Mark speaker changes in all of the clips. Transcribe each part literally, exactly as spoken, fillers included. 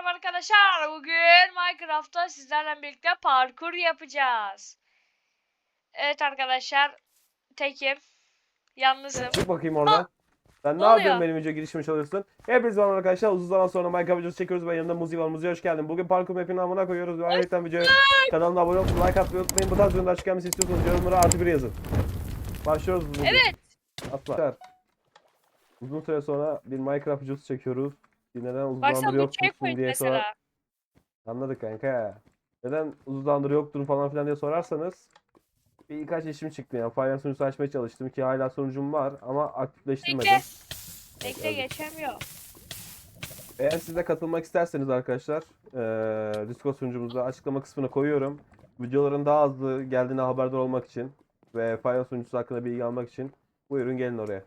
Speaker 1: merhaba arkadaşlar. Bugün Minecraft'ta sizlerle birlikte parkur yapacağız. Evet arkadaşlar, tekim. Yalnızım.
Speaker 2: Çık bakayım
Speaker 1: Aa,
Speaker 2: oradan. Sen
Speaker 1: ne
Speaker 2: ne yapıyorsun,
Speaker 1: oluyor?
Speaker 2: benim video girişimi çalıyorsun? Hepiniz var arkadaşlar. Uzun zaman sonra Minecraft videosu çekiyoruz. Ben yanımda Muzi var. Muzi hoş geldin. Bugün parkur map'ini amına koyuyoruz. Ve ayrıca videoyu kanalıma abone olup like atmayı unutmayın. Bu tarz videolar açık gelmesi istiyorsanız yorumlara artı bir yazın. Başlıyoruz Muzi.
Speaker 1: Evet.
Speaker 2: Atla. Uzun süre sonra bir Minecraft videosu çekiyoruz. Neden uzun
Speaker 1: Bak
Speaker 2: zamandır
Speaker 1: sen bu
Speaker 2: yokmuşsun
Speaker 1: checkpoint
Speaker 2: diye sorar.
Speaker 1: mesela.
Speaker 2: Anladık kanka. Neden uzun zamandır yoktun falan filan diye sorarsanız. Birkaç işim çıktı yani. Fire sunucusu açmaya çalıştım ki hala sunucum var ama aktifleştirmedim.
Speaker 1: Bekle.
Speaker 2: Evet,
Speaker 1: Bekle
Speaker 2: öldük.
Speaker 1: geçemiyor.
Speaker 2: Eğer siz de katılmak isterseniz arkadaşlar, eee Discord sunucumuza açıklama kısmına koyuyorum. Videoların daha hızlı geldiğine haberdar olmak için ve Fire sunucusu hakkında bilgi almak için buyurun gelin oraya.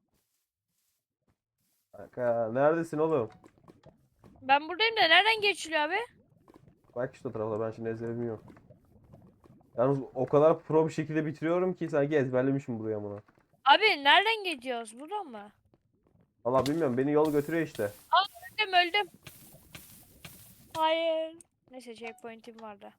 Speaker 2: Kanka, neredesin oğlum?
Speaker 1: Ben buradayım da nereden geçiliyor abi?
Speaker 2: Bak işte o tarafa, ben şimdi ezbere bilmiyorum. Yalnız o kadar pro bir şekilde bitiriyorum ki sanki ezberlemişim buraya bunu.
Speaker 1: Abi nereden geçiyoruz? Buradan mı?
Speaker 2: Valla bilmiyorum, beni yol götürüyor işte.
Speaker 1: Aa, öldüm öldüm. Hayır. Neyse checkpoint'im vardı.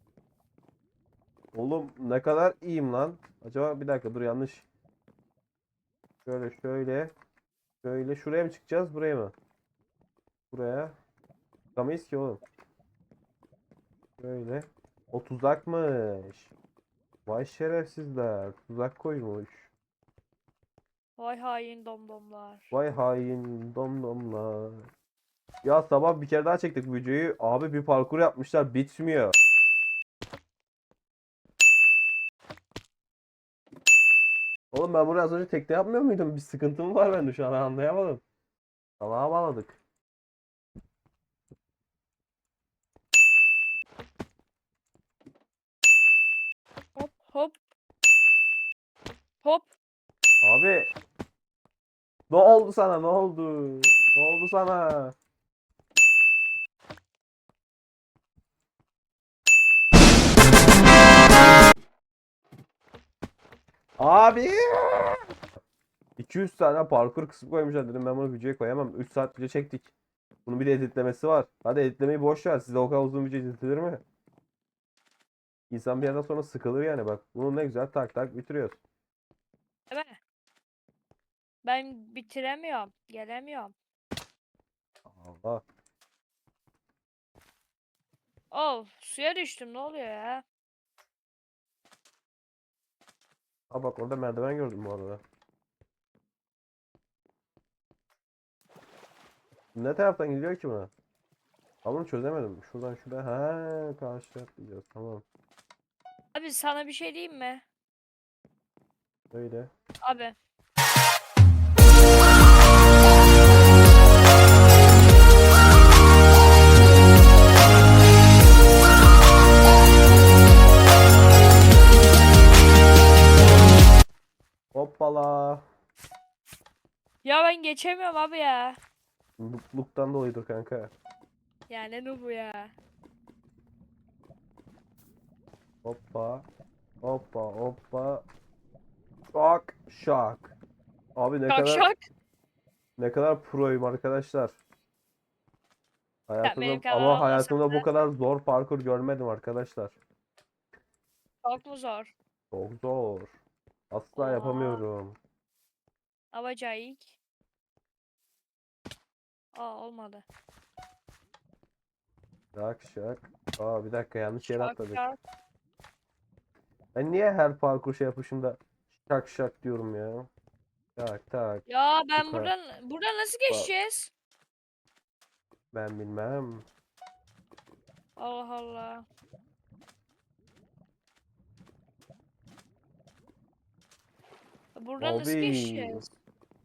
Speaker 2: Oğlum ne kadar iyiyim lan. Acaba bir dakika, dur, yanlış. Şöyle şöyle. Şöyle şuraya mı çıkacağız, buraya mı? Buraya. Çıkamayız ki oğlum. Böyle. O tuzakmış. Vay şerefsizler. Tuzak koymuş.
Speaker 1: Vay hain domdomlar.
Speaker 2: Vay hain domdomlar. Ya sabah bir kere daha çektik bu videoyu. Abi bir parkur yapmışlar. Bitmiyor. Oğlum ben buraya az önce tekne yapmıyor muydum? Bir sıkıntı mı var bende şu an, anlayamadım. Salağa bağladık.
Speaker 1: Hop hop hop.
Speaker 2: Abi. Ne oldu sana, ne oldu? Ne oldu sana? Abi. iki yüz tane parkur kısmı koymuşlar, dedim ben bunu videoya koyamam. üç saat video çektik. Bunun bir de editlemesi var. Hadi editlemeyi boş ver. Size o kadar uzun video editlenir mi? İnsan bir yerden sonra sıkılır yani, bak. Bunu ne güzel tak tak bitiriyoruz.
Speaker 1: Değil mi? Ben bitiremiyorum. Gelemiyorum.
Speaker 2: Allah.
Speaker 1: Oh, suya düştüm. Ne oluyor ya?
Speaker 2: Ha bak, orada merdiven gördüm bu arada. Ne taraftan gidiyor ki bu? Ben bunu çözemedim. Şuradan şuraya. Ha, karşı atlayacağız. Tamam.
Speaker 1: Abi sana bir şey diyeyim mi?
Speaker 2: Böyle.
Speaker 1: Abi.
Speaker 2: Hoppala.
Speaker 1: Ya ben geçemiyorum abi ya.
Speaker 2: Mutluluktan dolayıdır kanka.
Speaker 1: Ya ne nu bu ya?
Speaker 2: Hoppa. Hoppa hoppa. Şak şak. Abi ne
Speaker 1: Şak
Speaker 2: kadar
Speaker 1: şak.
Speaker 2: ne kadar proyum arkadaşlar.
Speaker 1: Ya benim
Speaker 2: Hayatımda
Speaker 1: kadar
Speaker 2: ama
Speaker 1: olmasa
Speaker 2: hayatımda bu
Speaker 1: da
Speaker 2: kadar zor parkur görmedim arkadaşlar.
Speaker 1: çok mu zor?
Speaker 2: Çok zor. Asla
Speaker 1: Aa,
Speaker 2: yapamıyorum.
Speaker 1: abacayık. Aa olmadı.
Speaker 2: Şak şak. Aa bir dakika, yanlış yere
Speaker 1: Şak
Speaker 2: atladık.
Speaker 1: şak.
Speaker 2: Ben niye her parkur şey yapışında şak şak diyorum ya. Tak tak.
Speaker 1: Ya ben
Speaker 2: Yukarı.
Speaker 1: buradan buradan nasıl
Speaker 2: Bak,
Speaker 1: geçeceğiz?
Speaker 2: ben bilmem.
Speaker 1: Allah Allah. Buradan nasıl
Speaker 2: Abi.
Speaker 1: geçeceğiz?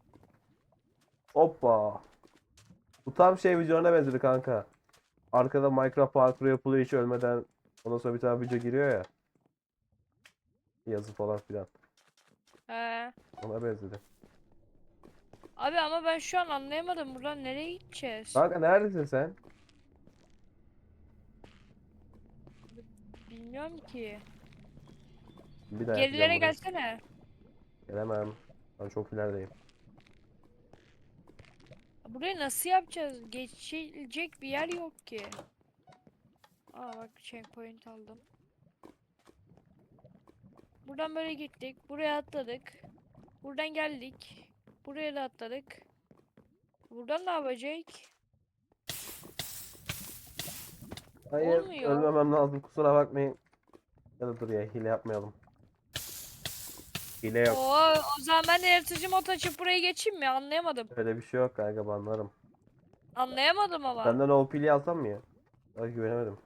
Speaker 2: Hoppa. Bu tam şey videolarına benzedi kanka. Arkada Minecraft parkuru yapılıyor hiç ölmeden. Ondan sonra bir tane video giriyor ya. Yazı falan filan.
Speaker 1: He.
Speaker 2: Ona benzedi.
Speaker 1: Abi ama ben şu an anlayamadım. Buradan nereye gideceğiz?
Speaker 2: Kanka neredesin sen?
Speaker 1: Bilmiyorum ki.
Speaker 2: Bir daha yapacağım
Speaker 1: Gerilere
Speaker 2: burayı.
Speaker 1: gelsene.
Speaker 2: Gelemem. Ben çok ilerideyim.
Speaker 1: Burayı nasıl yapacağız? Geçilecek bir yer yok ki. Aa bak checkpoint aldım. Buradan böyle gittik. Buraya atladık. Buradan geldik. Buraya da atladık. Buradan ne yapacak?
Speaker 2: Hayır,
Speaker 1: Olmuyor.
Speaker 2: ölmemem lazım, kusura bakmayın. Ya da dur ya, hile yapmayalım. Hile yok.
Speaker 1: Oo, o zaman ben de yaratıcı mod açıp buraya geçeyim mi? Anlayamadım.
Speaker 2: Öyle bir şey yok kanka, banlarım.
Speaker 1: Anlayamadım ama.
Speaker 2: Senden O P'li alsam mı ya? Ay, güvenemedim.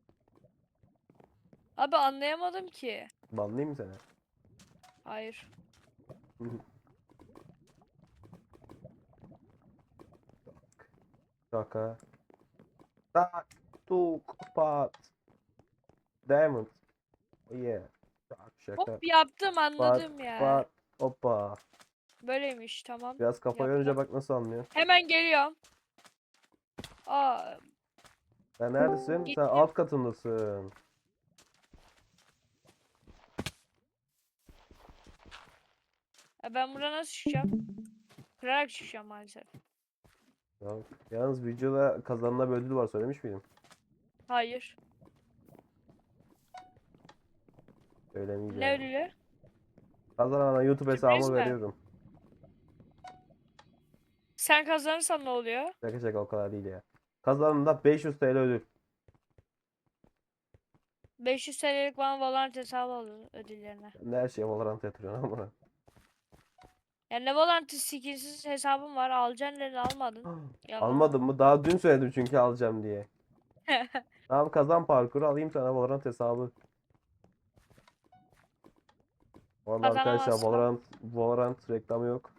Speaker 1: Abi anlayamadım ki.
Speaker 2: Banlayayım mı seni?
Speaker 1: Hayır.
Speaker 2: Şaka. Tak, tuk, pat. Diamond. Oh yeah. Tak, şaka.
Speaker 1: Hop yaptım
Speaker 2: Pat,
Speaker 1: anladım ya.
Speaker 2: pat. Hoppa.
Speaker 1: Böyleymiş tamam.
Speaker 2: Biraz kafa yorunca
Speaker 1: Yaptım.
Speaker 2: bak nasıl anlıyor.
Speaker 1: Hemen geliyorum. Aa
Speaker 2: Sen neredesin? Sen
Speaker 1: gittim.
Speaker 2: alt katındasın.
Speaker 1: Ya ben buradan nasıl çıkacağım? Kırarak çıkacağım maalesef.
Speaker 2: Ya, yalnız videoda kazanılan bir ödül var, söylemiş miydim?
Speaker 1: Hayır. Ne
Speaker 2: Söylemeyeceğim.
Speaker 1: ödülü?
Speaker 2: Kazanana YouTube
Speaker 1: Sürpriz
Speaker 2: hesabımı
Speaker 1: mi?
Speaker 2: veriyorum.
Speaker 1: Sen kazanırsan ne oluyor?
Speaker 2: Şaka şaka, o kadar değil ya. Kazanında beş yüz T L ödül.
Speaker 1: beş yüz T L'lik bana Valorant hesabı alın ödüllerine.
Speaker 2: Sen de her şeye Valorant yatırıyorsun ama.
Speaker 1: Yani ne Valorant skinsiz hesabım var. Alacaksın dedi almadın. Yalan.
Speaker 2: Almadın mı? Daha dün söyledim çünkü alacağım diye. Tamam, kazan parkuru, alayım sana Valorant hesabı. Bu arada arkadaşlar,
Speaker 1: Kazanamazsam.
Speaker 2: Valorant, Valorant reklamı yok.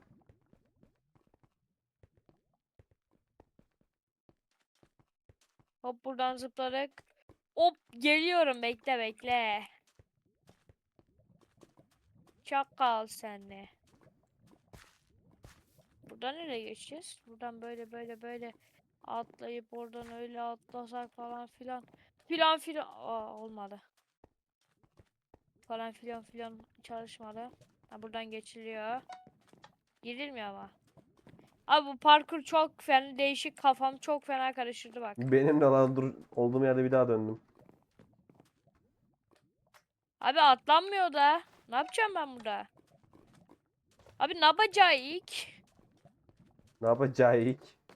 Speaker 1: Hop buradan zıpladık. Hop geliyorum bekle bekle. Çakal senle. Buradan nereye geçeceğiz? Buradan böyle böyle böyle atlayıp oradan öyle atlasak falan filan. Filan filan. Aa, olmadı. Falan filan filan çalışmadı. Ha, buradan geçiliyor. Girilmiyor ama. Abi bu parkur çok fena değişik, kafam çok fena karıştırdı bak.
Speaker 2: Benim de lan, dur, olduğum yerde bir daha döndüm.
Speaker 1: Abi atlanmıyor da. Ne yapacağım ben burada? Abi ne yapacağız ilk?
Speaker 2: Ne yapacağız?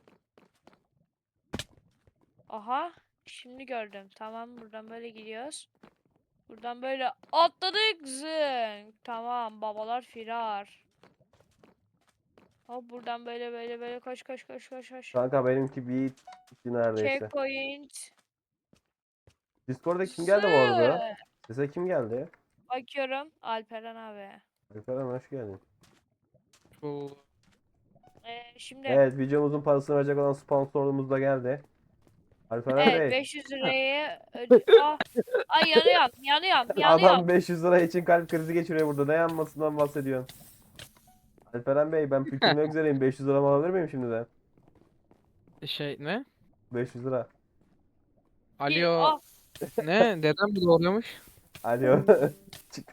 Speaker 1: Aha. Şimdi gördüm. Tamam buradan böyle gidiyoruz. Buradan böyle atladık zınk. Tamam babalar firar. Hop buradan böyle böyle böyle koş koş koş koş koş.
Speaker 2: Kanka benimki bir iki neredeyse.
Speaker 1: Checkpoint.
Speaker 2: Discord'da kim geldi bu arada?
Speaker 1: Zı.
Speaker 2: Sese kim geldi?
Speaker 1: Bakıyorum. Alperen abi.
Speaker 2: Alperen, hoş geldin.
Speaker 3: Bu
Speaker 1: Ee, şimdi
Speaker 2: Evet, videomuzun parasını verecek olan sponsorluğumuz da geldi. Alperen
Speaker 1: evet
Speaker 2: Bey.
Speaker 1: beş yüz lirayı öde... Ah. Ay yanıyorum yanıyorum yanıyorum.
Speaker 2: Adam beş yüz lira için kalp krizi geçiriyor burada. Ne yanmasından bahsediyorsun? Alperen Bey, ben pükürmek üzereyim. beş yüz liramı alabilir miyim şimdiden?
Speaker 3: şey ne?
Speaker 2: beş yüz lira.
Speaker 1: Bir-
Speaker 3: Alo.
Speaker 1: Ah.
Speaker 3: Ne? Dedem bu doğruyormuş.
Speaker 2: Alo. Çık.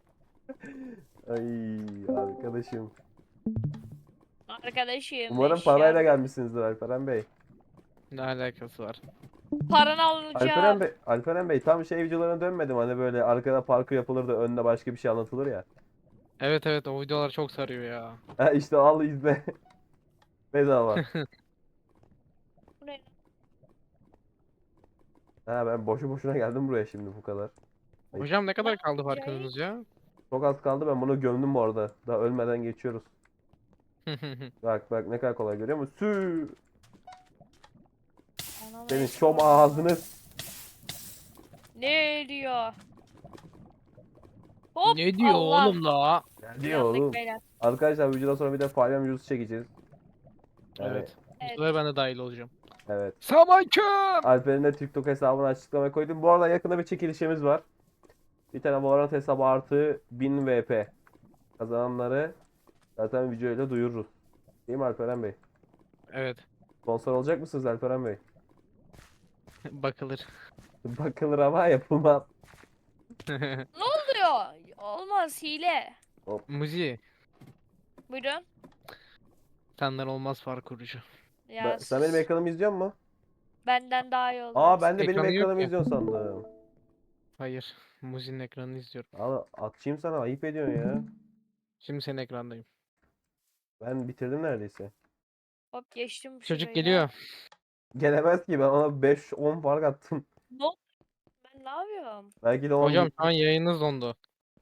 Speaker 2: Ay arkadaşım.
Speaker 1: Arkadaşım
Speaker 2: Umarım
Speaker 1: eşya.
Speaker 2: parayla gelmişsinizdir Alperen Bey.
Speaker 3: Ne alakası var?
Speaker 1: Paranı
Speaker 2: Alperen
Speaker 1: alacağım.
Speaker 2: Bey, Alperen Bey tam şey videolarına dönmedim. Hani böyle arkada parkur yapılır da önde başka bir şey anlatılır ya.
Speaker 3: Evet evet o videolar çok sarıyor ya.
Speaker 2: Ha işte, al izle. Bedava.
Speaker 1: Bu ne?
Speaker 2: Ha, ben boşu boşuna geldim buraya şimdi bu kadar. Ay.
Speaker 3: Hocam ne kadar
Speaker 1: Ne
Speaker 3: kaldı
Speaker 1: yapacağız?
Speaker 3: farkınız ya?
Speaker 2: Çok az kaldı, ben bunu gömdüm bu arada. Daha ölmeden geçiyoruz. Bak bak, ne kadar kolay, görüyor musun? Sü.
Speaker 1: Anam
Speaker 2: Senin
Speaker 1: eşya.
Speaker 2: şom ağzını.
Speaker 1: Ne diyor? Hop
Speaker 3: Ne diyor
Speaker 1: Allah.
Speaker 3: oğlum la?
Speaker 2: Ne diyor
Speaker 1: Yandık
Speaker 2: oğlum?
Speaker 1: beyler.
Speaker 2: Arkadaşlar, videodan sonra bir de palyaço videosu çekeceğiz. Yani,
Speaker 3: Evet. Bu
Speaker 1: Evet.
Speaker 3: sefer ben de dahil olacağım.
Speaker 2: evet.
Speaker 3: Selamünaleyküm.
Speaker 2: Alper'in de TikTok hesabını açıklamaya koydum. Bu arada yakında bir çekilişimiz var. Bir tane Valorant hesabı artı bin V P. Kazananları zaten videoyla duyururuz. Değil mi Alperen Bey?
Speaker 3: Evet.
Speaker 2: Sponsor olacak mısınız Alperen Bey?
Speaker 3: Bakılır.
Speaker 2: Bakılır ama yapılmaz.
Speaker 1: Ne oluyor? Olmaz hile.
Speaker 3: Muzi.
Speaker 1: Buyurun.
Speaker 3: Senden olmaz fark kurucu.
Speaker 1: Ya
Speaker 2: Ben, sen benim
Speaker 1: s-
Speaker 2: ekranımı izliyor musun?
Speaker 1: benden daha iyi
Speaker 2: Aa,
Speaker 1: oluyorsun.
Speaker 2: ben de benim
Speaker 3: Ekranı yok
Speaker 2: ekranımı
Speaker 3: ki.
Speaker 2: izliyorsun sandım.
Speaker 3: Hayır. Muzi'nin ekranını izliyorum.
Speaker 2: Al, atayım sana, ayıp ediyorsun ya.
Speaker 3: Şimdi senin ekrandayım.
Speaker 2: Ben bitirdim neredeyse.
Speaker 1: Hop geçtim
Speaker 3: Çocuk
Speaker 1: şurayı da.
Speaker 3: geliyor.
Speaker 2: Gelemez ki, ben ona beş on fark attım.
Speaker 1: Ne oldu? Ben ne yapıyorum?
Speaker 2: Belki de on
Speaker 3: Hocam şu
Speaker 2: gitti.
Speaker 3: an yayınınız dondu.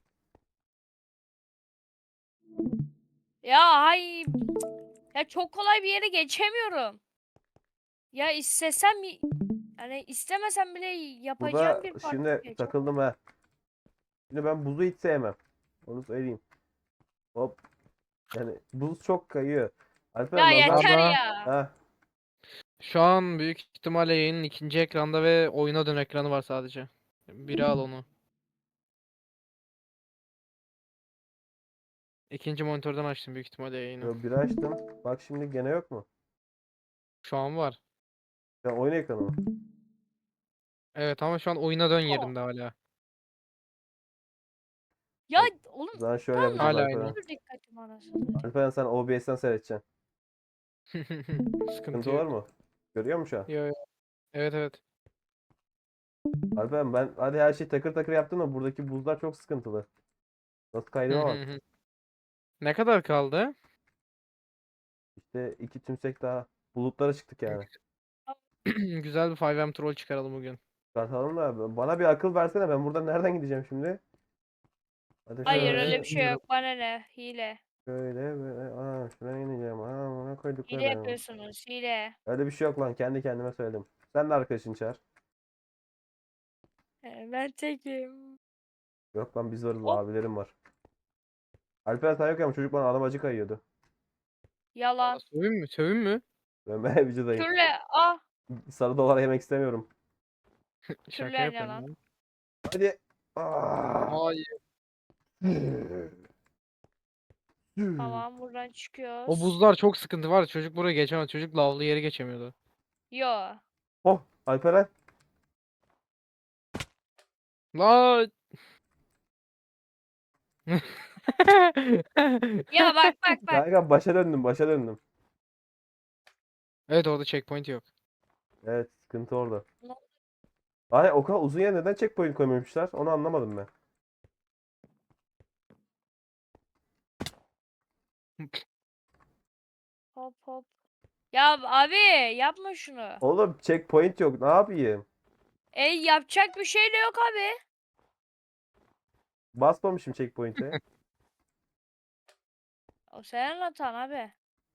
Speaker 1: Ya hay ya çok kolay bir yere geçemiyorum. Ya istesem y- yani istemesem bile yapacağım
Speaker 2: Burada
Speaker 1: bir parkur
Speaker 2: şimdi
Speaker 1: geçemem.
Speaker 2: takıldım ha. Şimdi ben buzu hiç sevmem. Onu söyleyeyim. Hop. Yani buz çok kayıyor.
Speaker 1: Ya
Speaker 2: Alper nazar.
Speaker 1: yeter
Speaker 3: Arda.
Speaker 1: ya.
Speaker 2: Ha.
Speaker 3: Şu an büyük ihtimalle yayının ikinci ekranda ve oyuna dön ekranı var sadece. Biri al onu. İkinci monitörden açtım büyük ihtimalle yayını.
Speaker 2: Yo, biri açtım. Bak şimdi gene yok mu?
Speaker 3: Şu an var.
Speaker 2: Ya oyun ekranı mı?
Speaker 3: Evet ama şu an oyuna dön
Speaker 1: Oh.
Speaker 3: yerinde hala.
Speaker 1: Ya
Speaker 2: Bak,
Speaker 1: oğlum
Speaker 2: o zaman şöyle
Speaker 1: tam
Speaker 2: yapacağız
Speaker 3: Hala
Speaker 1: nasıl
Speaker 3: aynı.
Speaker 2: Alperen.
Speaker 1: dur dikkatim anasını satayım.
Speaker 2: Alperen, sen O B S'ten seyredeceksin.
Speaker 3: Sıkıntı
Speaker 2: Sıkıntı var
Speaker 3: yok.
Speaker 2: mı? Görüyor musun şu an?
Speaker 3: Yo, yo. Evet evet.
Speaker 2: Alperen, ben hadi her şeyi takır takır yaptım da buradaki buzlar çok sıkıntılı. Nasıl kaydığıma bak.
Speaker 3: Ne kadar kaldı?
Speaker 2: İşte iki tümsek daha. Bulutlara çıktık yani.
Speaker 3: Güzel bir five M troll çıkaralım bugün.
Speaker 2: Çıkartalım da bana bir akıl versene, ben buradan nereden gideceğim şimdi? Hadi
Speaker 1: Hayır
Speaker 2: şöyle.
Speaker 1: öyle bir şey yok. Bana ne? Hile.
Speaker 2: Şöyle böyle. Aa, şuraya ineceğim. Aa, buna
Speaker 1: Hile
Speaker 2: koyduklarım.
Speaker 1: yapıyorsunuz. Hile.
Speaker 2: Öyle bir şey yok lan. Kendi kendime söyledim. Sen de arkadaşını çağır.
Speaker 1: Ee, Ben tekim.
Speaker 2: Yok lan, biz varız,
Speaker 1: Hop
Speaker 2: abilerim var. Alper sen yok ama çocuk bana alabacı kayıyordu.
Speaker 1: yalan.
Speaker 3: Sövün mü? Sövün mü?
Speaker 2: Ben ben vücudayım.
Speaker 1: Kürle ah
Speaker 2: Sarı dolar yemek istemiyorum.
Speaker 3: Şaka
Speaker 1: kürlen
Speaker 3: yapıyorum
Speaker 1: yalan.
Speaker 3: lan.
Speaker 2: Hadi. Aa.
Speaker 3: Hayır.
Speaker 1: Tamam buradan
Speaker 3: O
Speaker 1: çıkıyoruz.
Speaker 3: buzlar çok sıkıntı var. Çocuk buraya geçemez. Çocuk lavlı yeri geçemiyordu.
Speaker 1: Yo.
Speaker 2: Oh, Alperen.
Speaker 3: La.
Speaker 1: Ya bak bak bak.
Speaker 2: Kanka başa döndüm, başa döndüm.
Speaker 3: Evet orada checkpoint yok.
Speaker 2: Evet, sıkıntı orada.
Speaker 1: Ne-
Speaker 2: Ay, o kadar uzun yer neden checkpoint koymamışlar? Onu anlamadım ben.
Speaker 1: Hop hop. Ya abi yapma şunu.
Speaker 2: Oğlum checkpoint yok. Ne yapayım?
Speaker 1: E yapacak bir şey de yok abi.
Speaker 2: Basmamışım checkpoint'e.
Speaker 1: O senin hatan abi.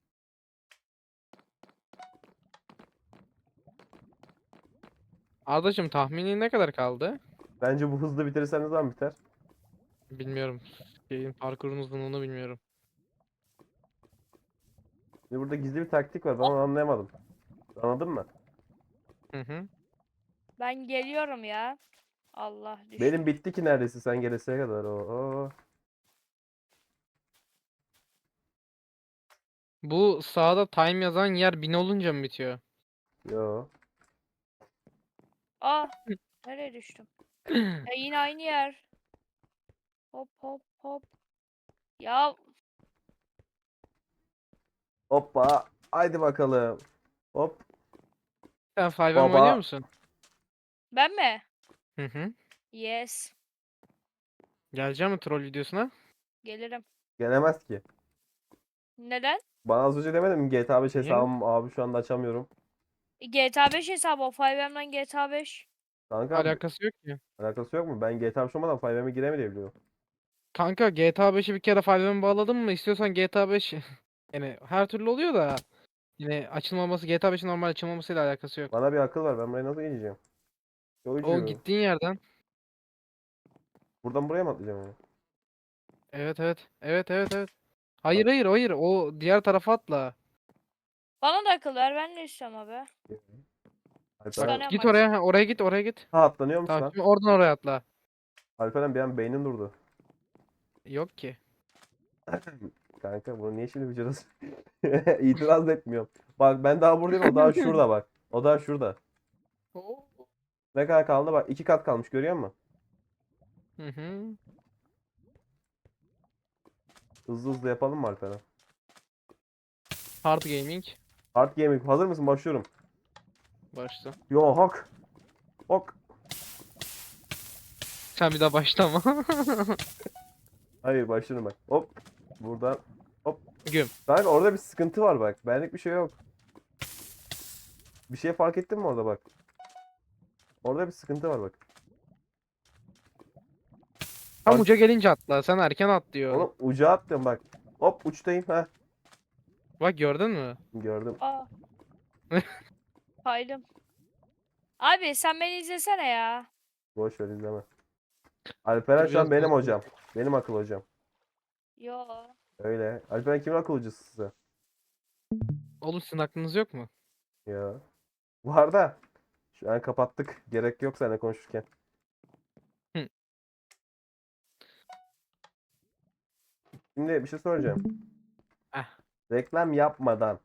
Speaker 3: Ardacığım tahmini ne kadar kaldı?
Speaker 2: Bence bu hızlı bitirirsen ne zaman biter?
Speaker 3: Bilmiyorum. Şeyin parkurun uzunluğunu bilmiyorum.
Speaker 2: Şimdi burada gizli bir taktik var. Ben
Speaker 1: Hop
Speaker 2: onu anlayamadım. Anladın mı?
Speaker 3: Hı hı.
Speaker 1: ben geliyorum ya. Allah
Speaker 2: Benim
Speaker 1: düştüm.
Speaker 2: bitti ki neredeyse sen geleseye kadar. Oo.
Speaker 3: Bu sağda time yazan yer bin olunca mı bitiyor?
Speaker 2: Yo.
Speaker 1: Ah nereye düştüm? Ya yine aynı yer. Hop hop hop. Ya
Speaker 2: Hoppa. Haydi bakalım. Hop.
Speaker 3: Sen five M oynuyor
Speaker 2: Baba.
Speaker 3: musun?
Speaker 1: ben mi?
Speaker 3: Hı hı.
Speaker 1: Yes.
Speaker 3: Geleceğim mi troll videosuna?
Speaker 1: Gelirim.
Speaker 2: Gelemez ki.
Speaker 1: Neden?
Speaker 2: Bana az önce demedin mi G T A beş
Speaker 3: Niye?
Speaker 2: hesabım abi şu anda açamıyorum.
Speaker 1: E, G T A beş hesabı o five M'den G T A beş.
Speaker 2: Kanka
Speaker 3: Alakası yok ki.
Speaker 2: alakası yok mu? Ben G T A beş olmadan five M'e giremeyebiliyorum.
Speaker 3: Kanka G T A beşi bir kere five M bağladın mı? İstiyorsan G T A beş yani her türlü oluyor da yine açılmaması G T A beşin normal açılmamasıyla alakası yok.
Speaker 2: Bana bir akıl ver. Ben buraya nasıl geleceğim?
Speaker 3: O
Speaker 2: Çocuğu.
Speaker 3: gittiğin yerden.
Speaker 2: Buradan buraya mı atlayacağım yani?
Speaker 3: Evet evet. Evet evet evet. Hayır
Speaker 2: Bak.
Speaker 3: hayır hayır. O diğer tarafa atla.
Speaker 1: Bana da akıl ver ben de istiyorum abi.
Speaker 2: Alperen.
Speaker 1: Kıskanıyorum
Speaker 3: Git
Speaker 1: bak
Speaker 3: oraya.
Speaker 1: seni.
Speaker 3: ha, Oraya git oraya git.
Speaker 2: Ha, atlanıyormuş
Speaker 3: Tamam
Speaker 2: lan.
Speaker 3: şimdi oradan oraya atla.
Speaker 2: Alperen, bir an beynin durdu.
Speaker 3: Yok ki.
Speaker 2: Kanka bunu niye şimdi vücuduz? İtiraz da etmiyorum. Bak ben daha buradayım, o daha şurada bak. O daha şurada.
Speaker 3: Oo.
Speaker 2: Ne kadar kaldı bak. iki kat kalmış, görüyor musun?
Speaker 3: Hı hı.
Speaker 2: Hızlı hızlı yapalım mı Alperen?
Speaker 3: Hard gaming.
Speaker 2: Hard gaming. Hazır mısın? Başlıyorum.
Speaker 3: Başla.
Speaker 2: Yo hak. Ok.
Speaker 3: Sen bir daha başlama.
Speaker 2: Hayır başlıyorum bak. Hop. Buradan. Hop.
Speaker 3: Güm.
Speaker 2: Kanka orada bir sıkıntı var bak. Benlik bir şey yok. Bir şey fark ettin mi orada bak. Orada bir sıkıntı var bak.
Speaker 3: Tam
Speaker 2: Bak-
Speaker 3: uca gelince atla. Sen erken atlıyorsun.
Speaker 2: Onu uca attım bak. Hop uçtayım. Heh.
Speaker 3: Bak gördün mü?
Speaker 2: Gördüm.
Speaker 1: Aa. Kaydım. Abi sen beni izlesene ya.
Speaker 2: Boş ver izleme. Alperen şu an
Speaker 3: Biraz
Speaker 2: benim
Speaker 3: bozdu.
Speaker 2: hocam. Benim akıl hocam.
Speaker 1: Yo.
Speaker 2: Öyle. Alperen kimin akıl hocası size?
Speaker 3: Oğlum sizin aklınız yok mu?
Speaker 2: Ya. Var da. Şu an kapattık. Gerek yok seninle konuşurken.
Speaker 3: Hı.
Speaker 2: Şimdi bir şey soracağım.
Speaker 3: Eh.
Speaker 2: Reklam yapmadan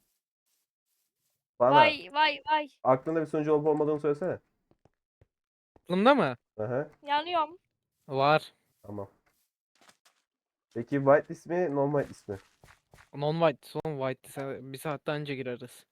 Speaker 2: bana
Speaker 1: Vay vay vay.
Speaker 2: aklında bir sonucu olup olmadığını söylesene.
Speaker 3: Aklımda mı?
Speaker 2: Aha.
Speaker 1: Yanıyorum.
Speaker 3: Var.
Speaker 2: Tamam. Peki whitelist mi, non whitelist mi?
Speaker 3: Non-white. Son white. Sen bir saatten önce gireriz.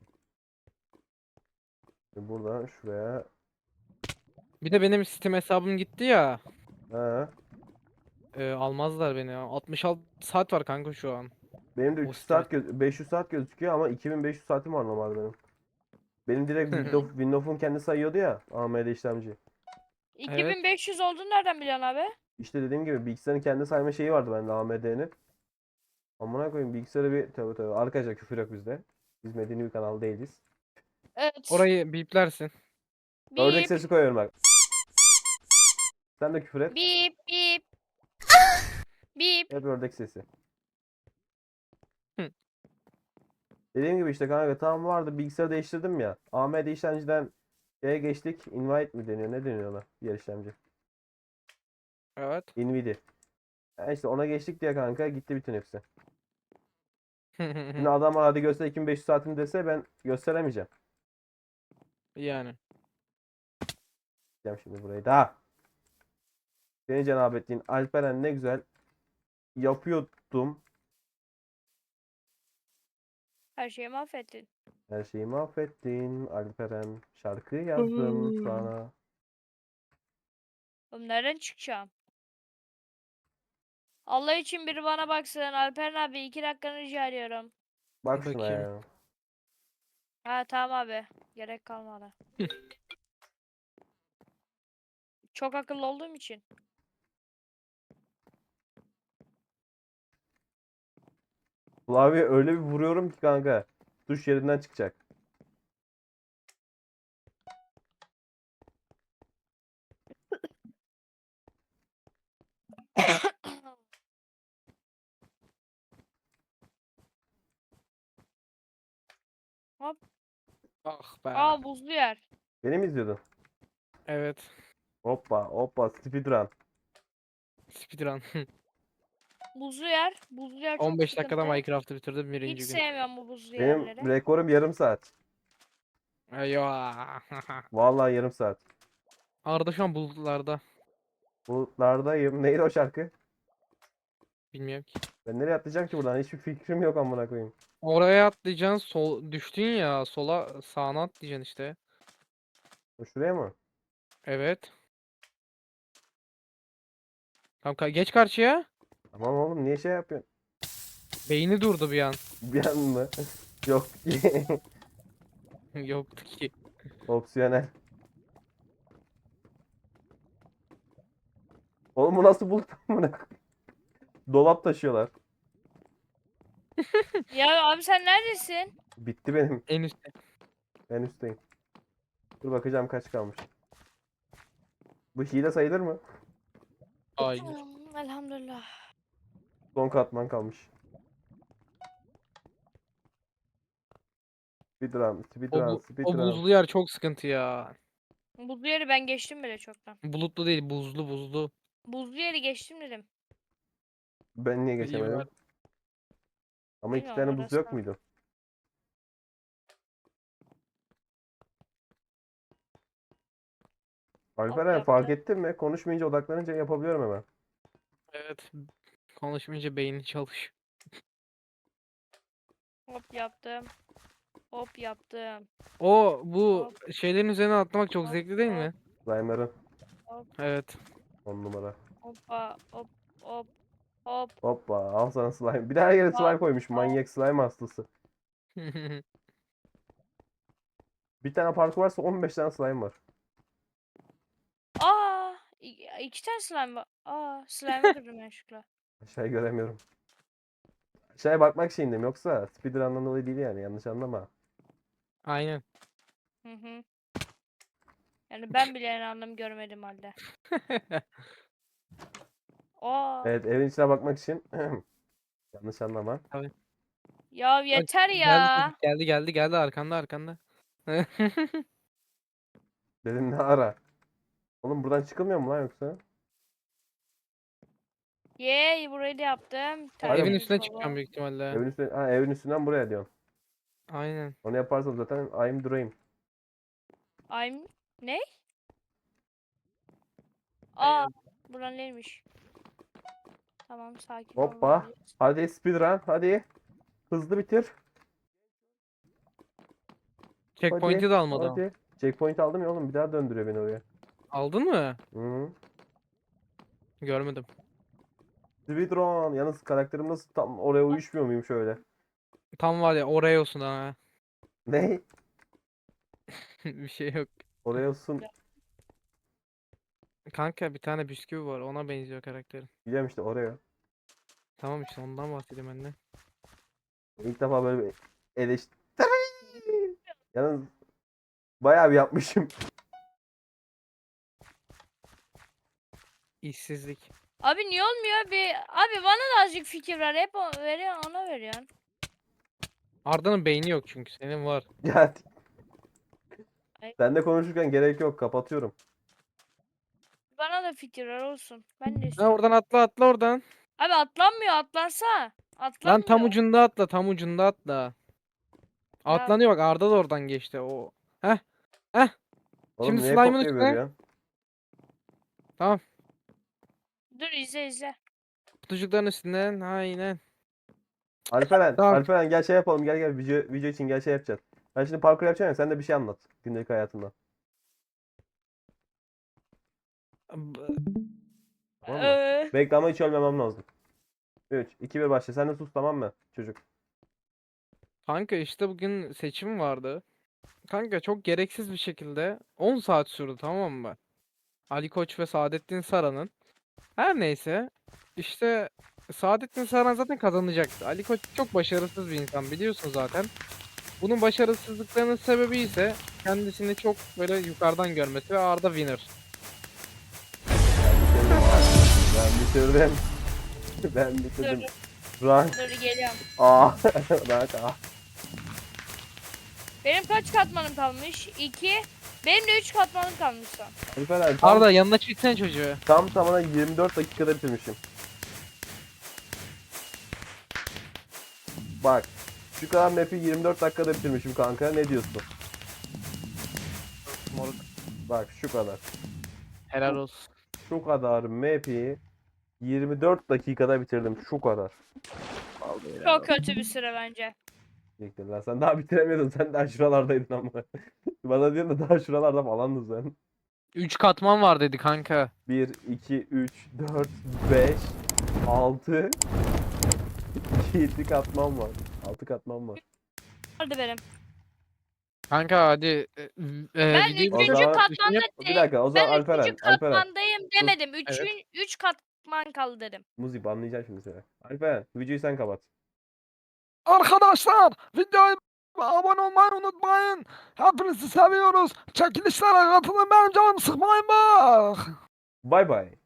Speaker 2: Şimdi buradan şuraya.
Speaker 3: Bir de benim Steam hesabım gitti ya.
Speaker 2: Ha.
Speaker 3: E, almazlar beni ya. altmış altı saat var kanka şu an.
Speaker 2: Benim de
Speaker 3: O
Speaker 2: üç yüz
Speaker 3: Steam
Speaker 2: saat göz beş yüz saat gözüküyor ama iki bin beş yüz saatim var normalde benim. Benim direkt Windows, Windows'un kendi sayıyordu ya A M D işlemci.
Speaker 1: iki bin beş yüz olduğunu nereden biliyorsun abi?
Speaker 2: İşte dediğim gibi bilgisayarın kendi sayma şeyi vardı bende A M D'nin. Amına koyayım bilgisayarı bir tövbe tövbe. Arkadaşlar küfür yok bizde. Biz medeni bir kanal değiliz.
Speaker 1: Evet.
Speaker 3: Orayı biplersin.
Speaker 2: Ördek
Speaker 1: Bip
Speaker 2: sesi koyuyorum bak. Sen de küfür et.
Speaker 1: bip bip. Bip.
Speaker 2: Hep ördek sesi.
Speaker 3: Hı.
Speaker 2: Dediğim gibi işte kanka tam vardı bilgisayarı değiştirdim ya. A M D işlemciden şeye geçtik. Invite mi deniyor? Ne deniyor ona? Diğer işlemci.
Speaker 3: Evet.
Speaker 2: Nvidia. Yani işte ona geçtik diye kanka gitti bütün hepsi. Şimdi adam hadi göster iki bin beş yüz saatini dese ben gösteremeyeceğim.
Speaker 3: Yani.
Speaker 2: Gideceğim şimdi burayı da. Seni cenab ettiğin Alperen ne güzel yapıyordum.
Speaker 1: Her şeyi mahvettin.
Speaker 2: Her şeyi mahvettin Alperen. Şarkı yazdım
Speaker 3: Hmm.
Speaker 2: sana.
Speaker 1: Oğlum nereden çıkacağım? Allah için biri bana baksın. Alperen abi iki dakikanı rica ediyorum.
Speaker 2: Bak şuna
Speaker 3: Bakayım.
Speaker 2: ya.
Speaker 1: Ha tamam abi. Gerek kalmadı. Çok akıllı olduğum için.
Speaker 2: Klavye öyle bir vuruyorum ki kanka. Tuş yerinden çıkacak.
Speaker 3: Ah be.
Speaker 1: Aa buzlu yer.
Speaker 2: Beni mi izliyordun?
Speaker 3: Evet.
Speaker 2: Hoppa hoppa speedrun.
Speaker 3: Speedrun.
Speaker 1: Buzlu yer. Buzlu yer çok
Speaker 3: on beş dakikada
Speaker 1: sıkıntı.
Speaker 3: Minecraft'ı bitirdim
Speaker 1: Hiç
Speaker 3: birinci gün.
Speaker 1: sevmiyorum bu buzlu
Speaker 2: Benim
Speaker 1: yerleri.
Speaker 2: rekorum yarım saat.
Speaker 3: Eyvah.
Speaker 2: Vallahi yarım saat.
Speaker 3: Arda şu an bulutlarda.
Speaker 2: Bulutlardayım. Neydi o şarkı?
Speaker 3: Bilmiyorum ki.
Speaker 2: Ben nereye atlayacağım ki buradan? Hiçbir fikrim yok amına koyayım.
Speaker 3: Oraya atlayacaksın. Sol düştün ya. Sola sağına atlayacaksın işte.
Speaker 2: Şuraya mı?
Speaker 3: Evet. Tamam ka- geç karşıya.
Speaker 2: Tamam oğlum niye şey yapıyorsun?
Speaker 3: Beyni durdu bir an.
Speaker 2: Bir an mı? Yok.
Speaker 3: Yoktu ki.
Speaker 2: Opsiyonel. Oğlum bu nasıl bulut amına koyayım? Dolap taşıyorlar.
Speaker 1: Ya abi sen neredesin?
Speaker 2: Bitti benim.
Speaker 3: En üstte.
Speaker 2: En üstteyim. Dur bakacağım kaç kalmış. Bu hile sayılır mı?
Speaker 3: Hayır.
Speaker 1: Hmm, Elhamdülillah.
Speaker 2: Son katman kalmış. Speedrun,
Speaker 3: O,
Speaker 2: speedrun,
Speaker 3: bu, o
Speaker 2: speedrun.
Speaker 3: buzlu yer çok sıkıntı ya.
Speaker 1: Buzlu yeri ben geçtim bile çoktan.
Speaker 3: Bulutlu değil, buzlu buzlu.
Speaker 1: Buzlu yeri geçtim dedim.
Speaker 2: Ben niye
Speaker 3: İyi
Speaker 2: geçemedim?
Speaker 3: var.
Speaker 2: Ama iki
Speaker 1: Bilmiyorum,
Speaker 2: tane buz yok
Speaker 1: orası.
Speaker 2: muydu? Alperen fark
Speaker 1: yaptı.
Speaker 2: ettin mi? Konuşmayınca odaklanınca yapabiliyorum hemen.
Speaker 3: Evet. Konuşmayınca beyni çalış.
Speaker 1: Hop yaptım. Hop yaptım.
Speaker 3: O bu
Speaker 1: Hop
Speaker 3: şeylerin üzerine atlamak çok
Speaker 1: hop
Speaker 3: zevkli değil
Speaker 1: hop
Speaker 3: mi?
Speaker 2: Slime'ların
Speaker 1: hop
Speaker 3: Evet.
Speaker 2: on numara.
Speaker 1: hoppa hop hop hop
Speaker 2: Hoppa al sana slime. Bir de her yere
Speaker 1: hop
Speaker 2: slime koymuş.
Speaker 1: hop.
Speaker 2: Manyak slime hastası. Bir tane parkur varsa on beş tane slime var.
Speaker 1: Aa, i- iki tane slime var. Aa, slime'ı kırdım yanlışlıkla.
Speaker 2: Aşağıyı göremiyorum. Aşağıya bakmak şeyindeyim yoksa speedrun'dan dolayı değil yani yanlış anlama.
Speaker 3: Aynen.
Speaker 1: Hı hı. Yani ben bile yani anlam görmedim halde. Aa,
Speaker 2: Evet evin içine bakmak için yanlış anlama.
Speaker 3: Tabii.
Speaker 1: ya
Speaker 3: Bak
Speaker 1: yeter
Speaker 3: geldi
Speaker 1: ya.
Speaker 3: çocuk, geldi geldi geldi arkanda arkanda.
Speaker 2: Dedim ne ara. Oğlum buradan çıkılmıyor mu lan yoksa?
Speaker 1: Yey, burayı da yaptım.
Speaker 3: Evin
Speaker 1: Tertemiz
Speaker 3: üstüne
Speaker 1: baba.
Speaker 3: çıkacağım büyük ihtimalle.
Speaker 2: Evin üstüne, ha, evin üstünden buraya diyorsun.
Speaker 3: Aynen.
Speaker 2: Onu yaparsam zaten I'm dream.
Speaker 1: I'm ne?
Speaker 3: Ben
Speaker 1: Aa,
Speaker 3: yazdım.
Speaker 1: buran neymiş? Tamam, sakin
Speaker 2: Hoppa.
Speaker 1: olmalıyız.
Speaker 2: Hadi speedrun hadi. Hızlı bitir.
Speaker 3: Checkpoint'i
Speaker 2: Hadi.
Speaker 3: de almadım.
Speaker 2: Hadi. Checkpoint aldım ya oğlum bir daha döndürüyor beni oraya.
Speaker 3: Aldın mı?
Speaker 2: Hı -hı.
Speaker 3: Görmedim.
Speaker 2: Speedrun. Yalnız karakterim nasıl tam oraya uyuşmuyor muyum şöyle?
Speaker 3: Tam var ya oraya olsun ha.
Speaker 2: Ne?
Speaker 3: Bir şey yok.
Speaker 2: Oraya olsun.
Speaker 3: Kanka bir tane bisküvi var ona benziyor karakterin.
Speaker 2: Biliyorum işte oraya.
Speaker 3: Tamam işte ondan bahsedeyim ben de.
Speaker 2: İlk defa böyle bir eleştiri. Yalnız bayağı bir yapmışım.
Speaker 3: İşsizlik.
Speaker 1: Abi niye olmuyor? Bir abi bana da azıcık fikir ver. Hep o- veriyor, ona veriyorsun.
Speaker 3: Arda'nın beyni yok çünkü senin var.
Speaker 2: Ya
Speaker 1: Ay.
Speaker 2: sen de konuşurken gerek yok kapatıyorum.
Speaker 1: Bana da fikir ver olsun. Ben de
Speaker 3: Ha
Speaker 1: istiyorum.
Speaker 3: oradan atla atla oradan.
Speaker 1: Abi atlanmıyor, atlansa.
Speaker 3: Lan tam
Speaker 1: Atlanmıyor.
Speaker 3: ucunda atla tam ucunda atla.
Speaker 1: Ya
Speaker 3: Atlanıyor bak Arda da oradan geçti o. Heh. Heh.
Speaker 2: Oğlum
Speaker 3: Şimdi
Speaker 2: niye
Speaker 3: slime'ın
Speaker 2: kopya
Speaker 3: üstüne.
Speaker 2: veriyorsun?
Speaker 3: Tamam.
Speaker 1: dur, izle izle.
Speaker 3: Kutucukların üstünden aynen.
Speaker 2: Alperen,
Speaker 3: Tamam.
Speaker 2: Alperen gel şey yapalım gel gel video, video için gel şey yapacağız. Ben şimdi parkur yapacağım ya sen de bir şey anlat gündelik hayatından.
Speaker 3: B-
Speaker 2: Tamam mı?
Speaker 1: Ee,
Speaker 2: Bekle ama hiç ölmemem lazım. üç, iki, bir başla. Sen de sus tamam mı çocuk?
Speaker 3: Kanka işte bugün seçim vardı. Kanka çok gereksiz bir şekilde on saat sürdü tamam mı? Ali Koç ve Saadettin Saran'ın. Her neyse işte Saadettin Saran zaten kazanacaktı. Ali Koç çok başarısız bir insan biliyorsun zaten. Bunun başarısızlıklarının sebebi ise kendisini çok böyle yukarıdan görmesi ve Arda winner.
Speaker 2: Ben bitirdim. Ben
Speaker 1: dur
Speaker 2: bitirdim.
Speaker 1: dur,
Speaker 2: Rank
Speaker 1: dur geliyorum.
Speaker 2: A. Rank A.
Speaker 1: Benim kaç katmanım kalmış? iki. Benim de üç katmanım kalmış son.
Speaker 2: Alperen tam,
Speaker 3: Arda yanına çeksene çocuğu.
Speaker 2: tam tamına yirmi dört dakikada bitirmişim. Bak. Şu kadar map'i yirmi dört dakikada bitirmişim kanka. Ne diyorsun?
Speaker 3: Moruk.
Speaker 2: Bak şu kadar.
Speaker 3: Helal olsun.
Speaker 2: Şu kadar map'i yirmi dört dakikada bitirdim. Şu kadar. Vallahi helal
Speaker 1: Çok
Speaker 2: olsun.
Speaker 1: kötü bir süre bence.
Speaker 2: Diyecektim lan. Sen daha bitiremiyordun. Sen daha şuralardaydın ama. Bana diyorsun da daha şuralarda falandın sen.
Speaker 3: üç katman var dedi kanka.
Speaker 2: bir, iki, üç, dört, beş, altı, yedi katman var. altı katman var.
Speaker 1: Hadi benim.
Speaker 3: Kanka hadi e, e,
Speaker 1: Ben
Speaker 3: videoyu
Speaker 2: O
Speaker 1: üçüncü
Speaker 2: zaman-
Speaker 1: katmanda
Speaker 2: Bir dakika o zaman
Speaker 1: ben
Speaker 2: Alperen.
Speaker 1: üçüncü
Speaker 2: Alperen.
Speaker 1: katmandayım demedim. Üçün, üç katman kaldı dedim.
Speaker 2: Muzi banlayacağım şimdi seni. Alperen videoyu sen kapat.
Speaker 4: Arkadaşlar videoya abone olmayı unutmayın. Hepinizi seviyoruz. Çekilişlere katılın benim canımı sıkmayın bak.
Speaker 2: Bay bay.